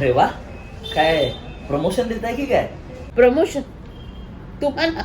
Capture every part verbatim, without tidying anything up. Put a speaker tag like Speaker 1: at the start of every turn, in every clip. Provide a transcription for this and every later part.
Speaker 1: अरे वा, काय प्रमोशन देत आहे की काय?
Speaker 2: प्रमोशन? तुम्हाला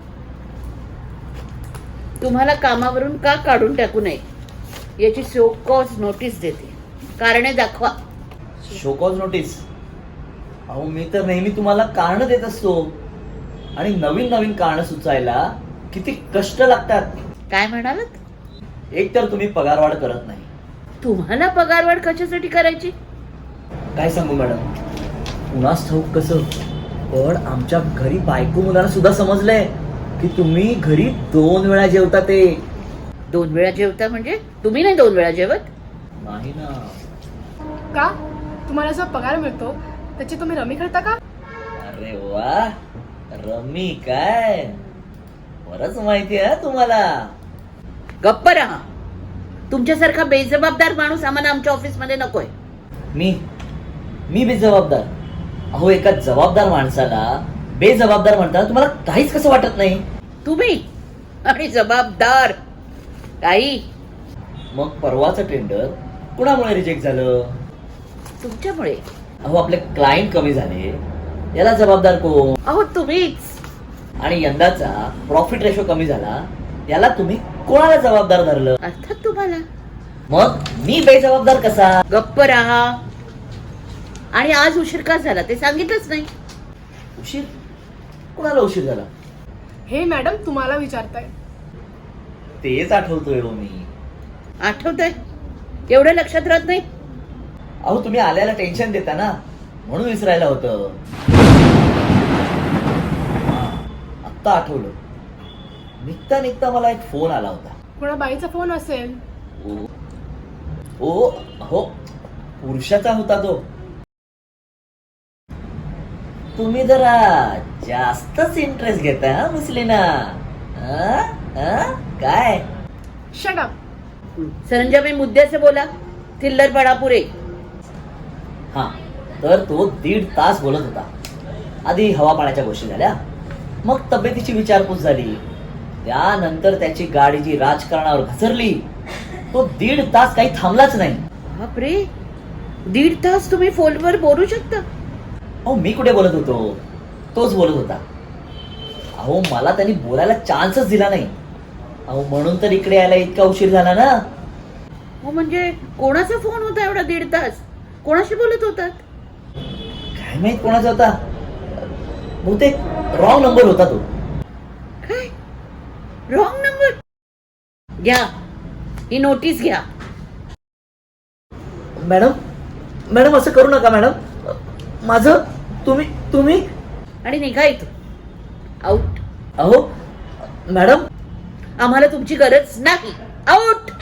Speaker 2: तुम्हाला कामावरून का काढून टाकू नये याची शो कॉज नोटीस देते. कारणे दाखवा.
Speaker 1: Show cause notice? अहो मी तर नेहमी तुम्हाला कारण देत असतो आणि नवीन नवीन कारण सुचायला किती कष्ट लागतात.
Speaker 2: काय म्हणालात?
Speaker 1: एक तर तुम्ही पगारवाढ करत नाही.
Speaker 2: तुम्हाला पगारवाढ कशासाठी करायची?
Speaker 1: काय सांगू मॅडम, कुणास ठाऊक कसं, पण आमच्या घरी बायको मुलाला सुद्धा समजलंय की तुम्ही घरी दोन वेळा जेवता. ते
Speaker 2: दोन वेळा जेवता म्हणजे तुम्ही नाही दोन वेळा जेवत?
Speaker 1: नाही ना.
Speaker 3: का तुम्हाला जो पगार मिळतो त्याची तुम्ही रमी खेळता का?
Speaker 1: अरे वा, रमी काय, बरंच माहिती आहे तुम्हाला.
Speaker 2: गप्प राहा. तुमच्यासारखा बेजबाबदार माणूस आम्हाला आमच्या ऑफिस मध्ये नकोय.
Speaker 1: मी मी बेजबाबदार? अहो एका जबाबदार माणसाला बेजबाबदार म्हणताना तुम्हाला काहीच कसं वाटत नाही?
Speaker 2: तुम्ही आणि जबाबदार काही.
Speaker 1: मग परवाचं टेंडर कुणामुळे रिजेक्ट झालं?
Speaker 2: तुमच्यामुळे.
Speaker 1: अहो आपले क्लायंट कमी झाले, याला जबाबदार कोण?
Speaker 2: अहो तुम्हीच.
Speaker 1: आणि यंदाचा प्रॉफिट रेशो कमी झाला, याला तुम्ही कोणाला जबाबदार धरलं?
Speaker 2: अर्थात तुम्हाला.
Speaker 1: मग मी बेजबाबदार कसा?
Speaker 2: गप्प राहा. आणि आज उशीर का झाला ते सांगितलंच नाही.
Speaker 1: उशीर? कोणाला उशीर झाला?
Speaker 3: हे मॅडम तुम्हाला विचारताय.
Speaker 1: तेच आठवतोय हो मी.
Speaker 2: आठवतंय? एवढं लक्षात राहत नाही?
Speaker 1: अहो तुम्ही आल्याला टेन्शन देता ना, म्हणून विसरायला होतं. आत्ता आठवलं. निघता निघता मला एक फोन आला होता.
Speaker 3: कोणा बाईचा फोन असेल.
Speaker 1: ओ ओ हो, पुरुषाचा होता तो. तुम्ही जरा जास्तच इंटरेस्ट घेता हा मुसलीना. हा? हा? काय?
Speaker 3: Shut up.
Speaker 2: सरंजा मी मुद्द्याचे बोला. थिल्लरपणा पुरे.
Speaker 1: हा, तर तो दीड तास बोलत होता. आधी हवा पाण्याच्या गोष्टी झाल्या, मग तब्येतीची विचारपूस झाली, त्यानंतर त्याची गाडी जी राजकारणावर घसरली. तो दीड तास काही थांबलाच नाही.
Speaker 2: बापरे, दीड तास तुम्ही फोनवर बोलू शकता?
Speaker 1: अहो मी कुठे बोलत होतो, तोच बोलत होता. अहो मला त्यांनी बोलायला चान्सच दिला नाही. अहो म्हणून तर इकडे यायला इतका उशीर झाला ना.
Speaker 2: हो म्हणजे कोणाचा फोन होता एवढा दीड तास? कोणाशी बोलत होतात?
Speaker 1: काय माहित कोणाचा होता, बहुतेक रॉंग नंबर होता तो.
Speaker 2: काय? Wrong number? घ्या, ही नोटीस घ्या.
Speaker 1: मॅडम मॅडम असं करू नका मॅडम. माझं तुम्ही तुम्ही
Speaker 2: आणि निघा इथून. आउट.
Speaker 1: अहो मॅडम,
Speaker 2: आम्हाला तुमची गरज नाही. आउट.